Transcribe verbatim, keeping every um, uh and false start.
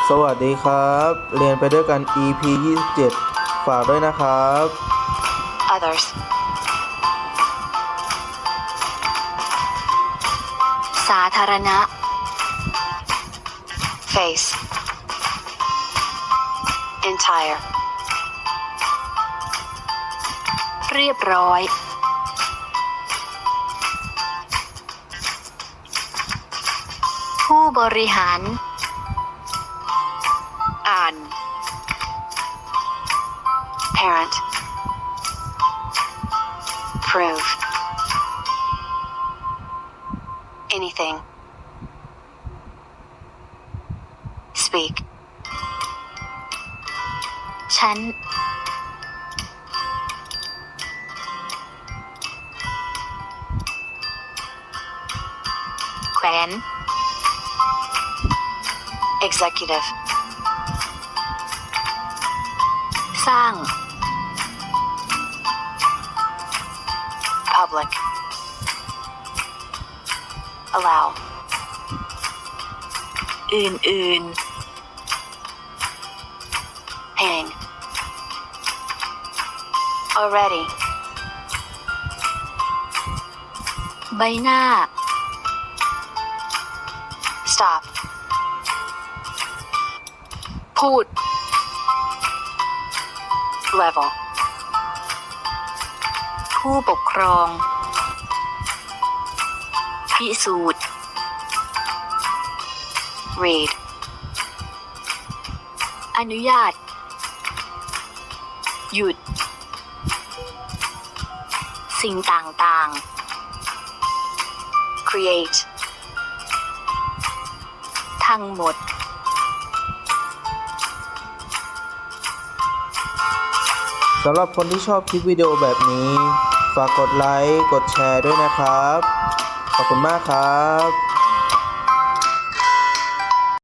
สวัสดีครับ เรียนไปด้วยกัน อี พี ยี่สิบเจ็ด ฝากด้วยนะครับ Others สาธารณะ Face Entire เรียบร้อยผู้บริหารอ่าน Parent Prove Anything Speak ฉันแขวน Executive สร้าง Public Allow อื่นๆ Hang Already ใบหน้า Stop พูด Level ผู้ปกครองพิสูจน์ Read อนุญาตหยุดสิ่งต่างๆ Create ทั้งหมดสำหรับคนที่ชอบคลิปวิดีโอแบบนี้ ฝากกดไลค์ กดแชร์ด้วยนะครับ ขอบคุณมากครับ